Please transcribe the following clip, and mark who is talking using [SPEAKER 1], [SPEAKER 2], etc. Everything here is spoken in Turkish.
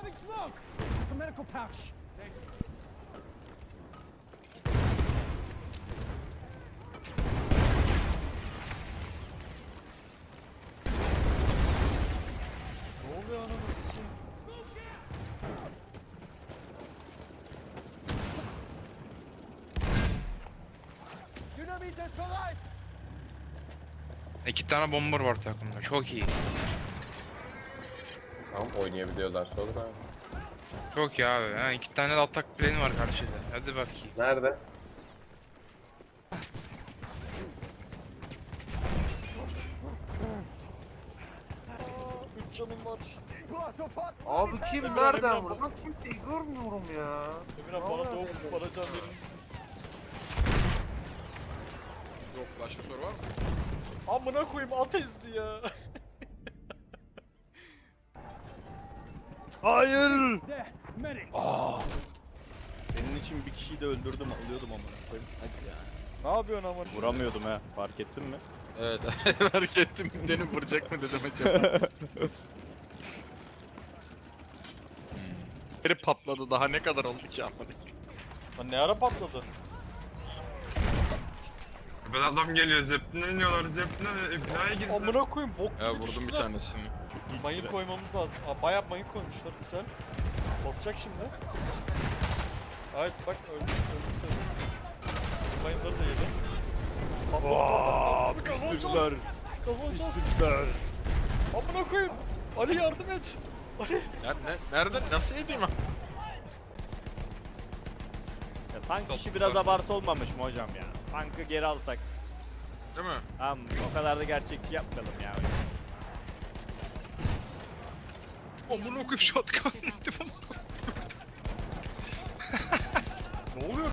[SPEAKER 1] Having smoke! Like a medical pouch.
[SPEAKER 2] Ne oluyor ananı sikeyim?
[SPEAKER 1] Dynamit ist bereit!
[SPEAKER 3] 2 tane bomber var takımda. Çok iyi.
[SPEAKER 4] Tamam oynayabiliyorlar sonra abi.
[SPEAKER 3] Çok iyi abi. Ha, 2 tane de atak planı var karşıda. Hadi bakayım.
[SPEAKER 4] Nerede?
[SPEAKER 2] Üç canım var.
[SPEAKER 5] Abi kim
[SPEAKER 2] Emirhan,
[SPEAKER 5] nereden
[SPEAKER 2] Emirhan,
[SPEAKER 5] vurdu? Lan kimseyi görmüyorum ya.
[SPEAKER 2] Emirhan bana doğup bana can verir misin?
[SPEAKER 6] Yok, başka soru var mı?
[SPEAKER 2] Amına koyayım at ezdi ya.
[SPEAKER 7] Hayır.
[SPEAKER 1] There, medic!
[SPEAKER 7] Senin için bir kişiyi de öldürdüm, alıyordum amına koyayım. Hadi ya.
[SPEAKER 2] Ne yapıyorsun amına?
[SPEAKER 7] Vuramıyordum ha, fark ettin mi?
[SPEAKER 6] Evet, fark ettim. Beni vuracak mı dedim acaba. Biri patladı, daha ne kadar oldu ki anladık.
[SPEAKER 2] Lan ne ara patladı?
[SPEAKER 3] Ben adam geliyor. Zepline iniyorlar. Zepline girdiler.
[SPEAKER 2] Amına koyayım bok gibi
[SPEAKER 6] Ya vurdum bir
[SPEAKER 2] düştüler.
[SPEAKER 6] tanesini.
[SPEAKER 2] Mayın koymamız lazım. Aa, bayağı mayın koymuşlar güzel. Basacak şimdi. Evet bak öldü sayılır. Mayınları da yedi. Patladı. Kazanacağız. Kazanacağız.
[SPEAKER 7] Güzel.
[SPEAKER 2] Amına koyayım. Ali yardım et. Ali.
[SPEAKER 6] Nerede? Nasıl edeyim ha?
[SPEAKER 7] Ya, tank işi
[SPEAKER 6] Sattılar.
[SPEAKER 7] biraz abartı olmamış mı hocam ya? Tankı geri alsak.
[SPEAKER 6] Değil mi?
[SPEAKER 7] Tamam, o kadar da gerçekçi yapmayalım ya.
[SPEAKER 3] Amına koyayım shotgun yedim.
[SPEAKER 2] Ne oluyor?